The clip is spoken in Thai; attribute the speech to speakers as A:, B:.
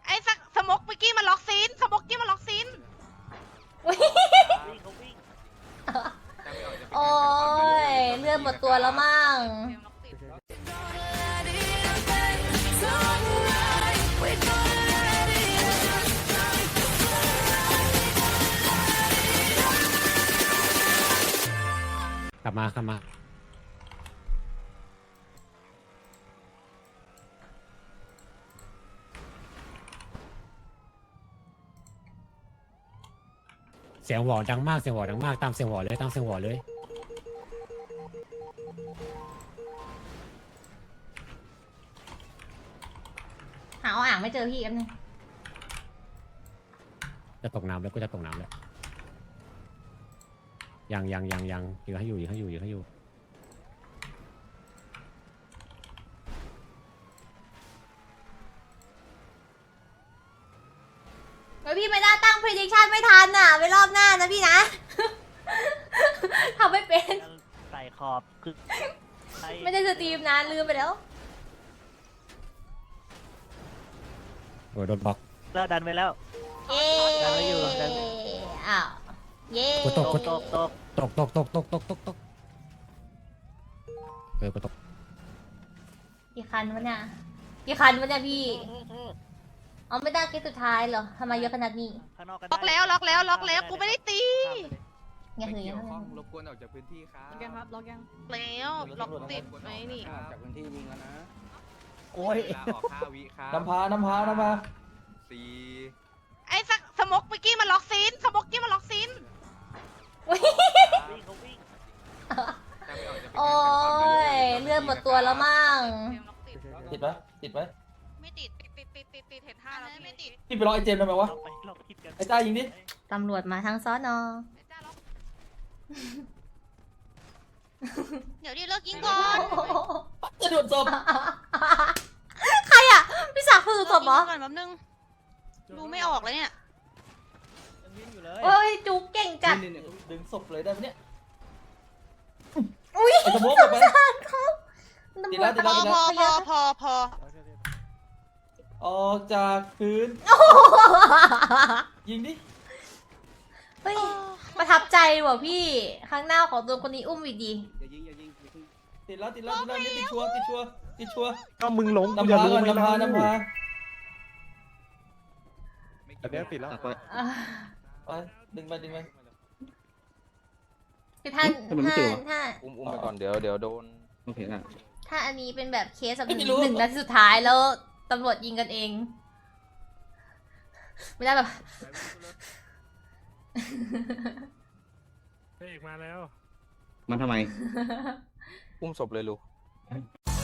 A: ไอ้สมกเมื่อกี้มันล็อกซีนสมกกี้มันล็อกซีน
B: โอ้ยเลือดหมดตัวแล้วมั่ง
C: กลับมาเสียงหวอดังมากเสียงหวอดังมากตามเสียงหวอเลยตามเสียงหวอเลย
B: หาอ่างไม่เจอพี่กันนึง
C: จะตกน้ำแล้วก็จะตกน้ำแล้วยังยิงให้อยู่
B: พี่ไม่ได้ตั้ง prediction ไม่ทันอ่ะไปรอบหน้านะพี่นะทำไม่เป็น
D: ใส่ขอบคือ
B: ไม่ได้สตรีมนะลืมไปแล้ว
C: โอ้ยโดนบล็อก
D: แล้วดันไปแล้ว
B: เย้
D: ดันไม่อยู่ดัน
B: อ้าวเย้
C: กูตกกูตก
B: กี่คันวะเนี่ยพี่ เอาไม่ได้เกมสุดท้ายเหรอทำไมเยอะขนาดนี้
A: ล็อกแล้วกูไม่ได้ตี
B: อย่าหือ
E: รบกวนออกจากพื้นที่ครับ
A: ยังครับล็อกยังแล้วล็อกติดไหมนี่
E: ออกจากพื้นที่ยิงแล้วนะ
D: โอ้ย
E: เวลาออก5 วิครับ
F: น้ำพา
E: 4
A: ไอ้สมกเมื่อกี้มันล็อกซีนสมกกี้มันล็อกซีน
B: โอ้ยเลือดหมดตัวแล้วมั่ง
F: ติดไหม
A: ไม่ติดเห็นท่าแล้วไม่ติด
F: พี่ไปรอไอเจมส์ทำไมวะไอ้จ้ายิงดิ
B: ตำรวจมาทั้งซ้อนอ
A: เดี๋ยวดิเลิกยิงก่อน
F: จะโดนศพ
B: ใครอ่ะพี่ศักดิ์คือศพเหรอ
A: ก่อนแป๊บนึงดูไม่ออกเลยเนี่ย
B: โอ้ยจุกเก่งจัด
F: ดึงศพเลยได้ไหมเนี่ย
B: อุ้ย
F: ไอ้สมอง
B: ส
F: ออก
B: ง
F: ไป
B: สารเขาตำรวจ
F: ติดแล้ว
A: พอ
F: ออกจากพื้นยิงดิ
B: เฮ้ยประทับใจว่ะพี่ครั้งหน้าขอโดนคนนี้อุ้มอีกดี
E: อย่ายิง
F: ติดแล้วนี่ติดชัวร์
C: ก็มึงหลง
F: น้ำพาก่อนน้ำพา
E: ไม่เกี่ยวปิดแล้ว
F: ไปดึงไป
B: คือท่านถ้า
E: อุ้มไปก่อนเดี๋ยวโดน
C: โอเคนะ
B: ถ้าอันนี้เป็นแบบเคสแบบหนึ่งนาทีสุดท้ายแล้วตำรวจยิงกันเอง ไม่ได้แบบ
C: เฮ้ยมาแล้ว
G: มันทำไม
E: อุ้มศพเลยลูก